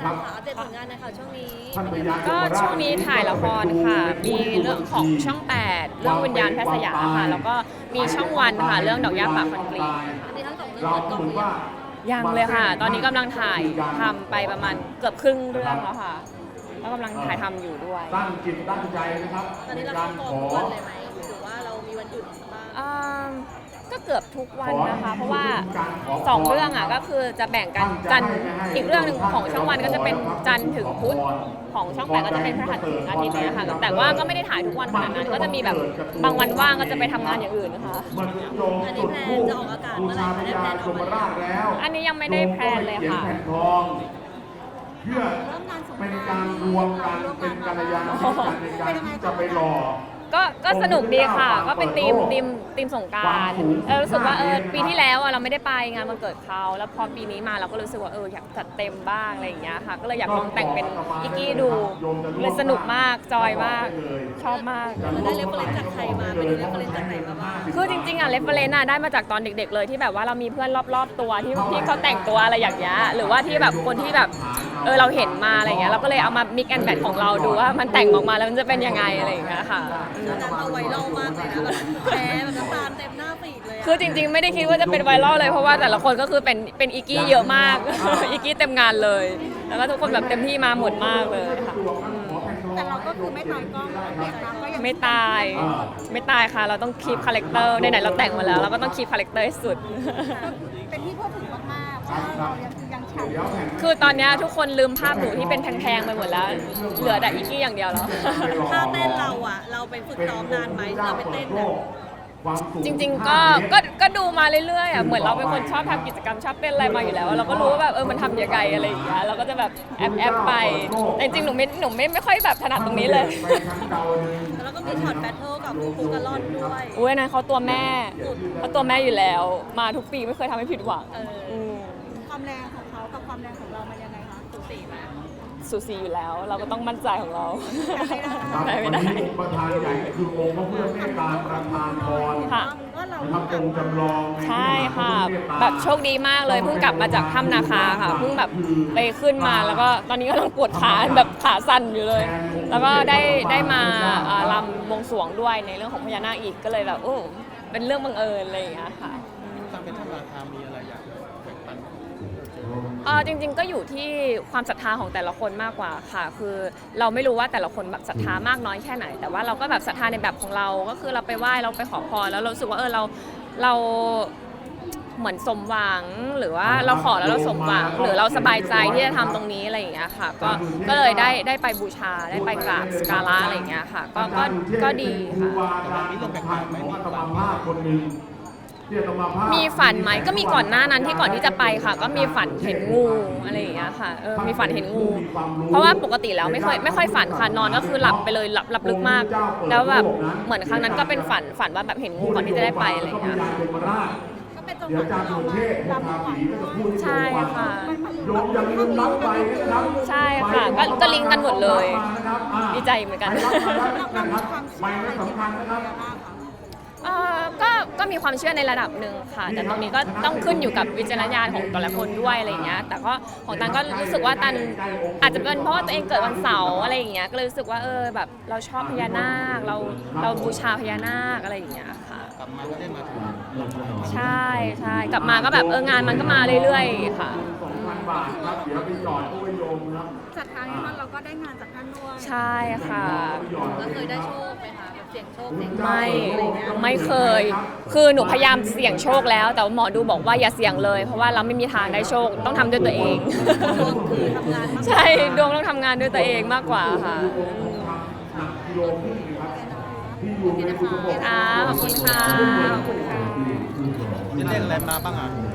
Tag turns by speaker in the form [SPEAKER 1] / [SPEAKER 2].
[SPEAKER 1] ค่ะอัปเดตผลงานนะคะช่วงนี้
[SPEAKER 2] ก็ช่วงนี้ถ่ายละครค่ะ มีเรื่องของช่อง 8 เรื่องวิญญาณแพทย์สยามค่ะ แล้วก็มีช่องวันค่ะ เรื่องดอกหญ้าป่าคอนกรีต
[SPEAKER 1] อันนี้ทั้งสองเรื่องเปิดกล้องหรือยัง
[SPEAKER 2] ยังเลยค่ะ ตอนนี้กำลังถ่ายทำไปประมาณเกือบครึ่งเรื่องแล้วค่ะแล้วกำลังถ่ายทำอยู่ด้วย
[SPEAKER 3] ตั้งจิตตั้งใจนะครับ
[SPEAKER 1] ตอนนี้เราเข้ากองทุกวันเลยไหมหรือว่าเรามีวันหยุดบ้าง
[SPEAKER 2] ก็เกือบทุกวันนะคะ เพราะว่า2เรื่องอ่ะก็คือจะแบ่งกันจันทร์อีกเรื่องหนึ่งของช่องวันก็จะเป็นจันทร์ถึงพุธของช่อง 8ก็จะเป็นพฤหัสถึงอาทิตย์เนี่ยค่ะแต่ว่าก็ไม่ได้ถ่ายทุกวันขนาดนั้นก็จะมีแบบบางวันว่างก็จะไปทำงานอย่างอื่นนะคะ
[SPEAKER 1] อันนี้แพลนจะออกอากาศเมื่อไหร่คะได้แพลนออกมาแล้ว
[SPEAKER 2] อันนี้ยังไม่ได้แพลนเลยค่ะ
[SPEAKER 3] เพื่อเป็นการรวมกันเป็นกัลยาณมิตรกันในการที่จะไปหล่อ
[SPEAKER 2] ก็สนุกดีค่ะ ก็เป็นทีมสงกรานต์รู้สึกว่าปีที่แล้วเราไม่ได้ไปงานวันเกิดเขาแล้วพอปีนี้มาเราก็รู้สึกว่าอยากจัดเต็มบ้างอะไรอย่างเงี้ยค่ะก็เลยอยากลองแต่งเป็นอิกกี้ดูเลยสนุกมากจอยมากชอบมาก
[SPEAKER 1] เราได้เรฟเฟอเรนซ์จากใครมาไปดูเรฟเฟอเรนซ์จากไหนมาบ้าง
[SPEAKER 2] คือจริงๆเรฟเฟอเรนซ์ได้มาจากตอนเด็กๆเลยที่แบบว่าเรามีเพื่อนรอบๆตัวที่เขาแต่งตัวอะไรอย่างเงี้ยหรือว่าที่แบบคนที่แบบเราเห็นมาอะไรเงี้ยเราก็เลยเอามามิกแอนด์แมทของเราดูว่ามันแต่งออกมาแล้วมันจะเป็นยังไงอะไรอย่างเงี้ยค่ะ
[SPEAKER 1] การเอาไวรัลมากเลยนะแบบแพ้แบบน้ำตาลเต็มหน้าฟีดเลย
[SPEAKER 2] คือจริงๆไม่ได้คิดว่าจะเป็นไวรัลเลยเพราะว่าแต่ละคนก็คือเป็นอิกกี้เยอะมาก อิกกี้เต็มงานเลย แล้วก็ทุกคนแบบเต็มที่มาหมดมากเลยค่ะ
[SPEAKER 4] แต่เราก็คือไม่ตายกล้องเด็กนะก็ยัง
[SPEAKER 2] ไม่ตายค่ะ เราต้องคีปคาแรคเตอร์ไหนๆเราแต่งมาแล้วเราก็ต้องคีปคาแรคเตอร์ให้สุด
[SPEAKER 4] เป็นที่พูดถึงมากๆเพราะว่าเรายังฉ่ำ
[SPEAKER 2] คือตอนเนี้ยทุกคนลืมภาพหนูที่เป็นแพงๆไปหมดแล้ว เหลือแต่อิกกี้อย่างเดียวแล้ว
[SPEAKER 1] ท่าเต้นเราอ่ะเราไปฝึกซ้อมนานไหมเราไปเต้นเนี่ย
[SPEAKER 2] จริงๆก็ดูมาเรื่อยๆอ่ะเหมือนเราเป็นคนชอบทำกิจกรรมชอบเต้นอะไรมาอยู่แล้ว เราก็รู้ว่าแบบมันทำยังไงอะไรอย่างเงี้ยเราก็จะแบบแอบไปแต่จริงๆหนูไม่ค่อยแบบถนัดตรงนี้เลย
[SPEAKER 1] แล้วก็มีช็อตแบทเทิลกับฟูกาลอนด้วย
[SPEAKER 2] อุ้ยนะเขาตัวแม่อยู่แล้ว มาทุกปีไม่เคยทำให้ผิดหวัง ม
[SPEAKER 4] ความแรงของเขากับความแรงของเรามันยังไงคะสูสีไหม
[SPEAKER 2] สูสีอยู่แล้ว เราก็ต้องมั่นใจของเรา
[SPEAKER 3] ครับวันนี้ประธานใหญ่คือองค์พระเพื่อเมตตาประธานพร
[SPEAKER 2] ค่ะ
[SPEAKER 4] ว่าเรา
[SPEAKER 3] นะครับองค์จำลอง
[SPEAKER 2] ใช่ค่ะ แบบโชคดีมากเลยเพิ่งกลับมาจากถ้ำนาคาค่ะเพิ่งแบบไปขึ้นมาแล้วก็ตอนนี้ก็ต้องปวดขาแบบขาสั่นอยู่เลย แล้วก็ได้มารำบวงสรวงด้วยในเรื่องของพญานาคอีกก็เลยแบบโอ้เป็นเรื่องบังเอิญอะไรอย่างเงี้ยค่ะ
[SPEAKER 5] การเป็นธรรมราคามีอะไรอยากแบ่งปัน
[SPEAKER 2] จริงๆก็อยู่ที่ความศรัทธาของแต่ละคนมากกว่าค่ะ คือเราไม่รู้ว่าแต่ละคนแบบศรัทธามากน้อยแค่ไหน แต่ว่าเราก็แบบศรัทธาในแบบของเรา ก็คือเราไปไหว้เราไปขอพรแล้วเรารู้สึกว่าเราเหมือนสมหวังหรือว่าเราขอแล้วเราสมหวังหรือเราสบายใจที่จะทำตรงนี้อะไรอย่างเงี้ยค่ะก็เลยได้ไปบูชาได้ไปกราบสักการะอะไรอย่างเงี้ยค่ะก็ดีค่ะ
[SPEAKER 3] มีลงแบ่งปันไหมมีกรรมภาพคนหนึ่งที่จะมาภาพ
[SPEAKER 2] มีฝันไหมก็มีก่อนหน้านั้นที่ก่อนที่จะไปค่ะ ก็มีฝันเห็นงูอะไรอย่างเงี้ยค่ะมีฝันเห็นงู เพราะว่าปกติแล้วไม่ค่อยฝันค่ะนอนก็คือหลับไปเลยหลับลึกมาก แล้วแบบเหมือนครั้งนั้นก็เป็นฝันว่าแบบเห็นงูก่อนที่จะได้ไปอะไรอย่างเงี้ย
[SPEAKER 4] ก็เป็นจังหวะที่เรามาลำถวายด้วย
[SPEAKER 2] ใช่ค่ะ
[SPEAKER 3] โยมอย่าลืมรับไปนะครับ
[SPEAKER 2] ใช่ค่ะก็ลิงก์กันหมดเลย ดีใจเหมือนกัน
[SPEAKER 4] เรามีความเชื่ออะไรเกี่ยวกับพญานาคคะ
[SPEAKER 2] ก็มีความเชื่อในระดับหนึ่งค่ะ แต่ตรงนี้ก็ต้องขึ้นอยู่กับวิจารณญาณของแต่ละคนด้วยอะไรอย่างเงี้ยแต่ก็ของตันก็รู้สึกว่าตันอาจจะเป็นเพราะว่าตัวเองเกิดวันเสาร์อะไรอย่างเงี้ยก็เลยรู้สึกว่าแบบเราชอบพญานาคเราบูชาพญานาคอะไรอย่างเงี้ยค่ะ
[SPEAKER 5] กลับมาก็ได้มาถึง
[SPEAKER 2] ใช่กลับมาก็แบบงานมันก็มาเรื่อยๆค่ะ
[SPEAKER 3] 2,000 บาทครับเดี๋ยวไปจอดตู้ไว้โยมครับ
[SPEAKER 4] ศรัทธาในท่านเราก็ได้งานจากท่านด้วย
[SPEAKER 2] ใช่ค่ะ
[SPEAKER 1] ก็เคยได้โชคไหมคะแบบเสี่ยงโชคเสี่ยง
[SPEAKER 2] ไม่เคย คือหนูพยายามเสี่ยงโชคแล้ว แต่ว่าหมอดูบอกว่าอย่าเสี่ยงเลย เพราะว่าเราไม่มีทางได้โชคต้องทำด้วยตัวเอง
[SPEAKER 1] คือทำงานมาก
[SPEAKER 2] ใช่ดวงต้องทำงานด้วยตัวเองมากกว่าค่ะ
[SPEAKER 3] กิโลครึ่งนะครับที่อยู่ในคุณระบบ
[SPEAKER 2] ค่ะขอบคุณค่ะ
[SPEAKER 5] จะเล่นอะไรมาบ้างอ่ะ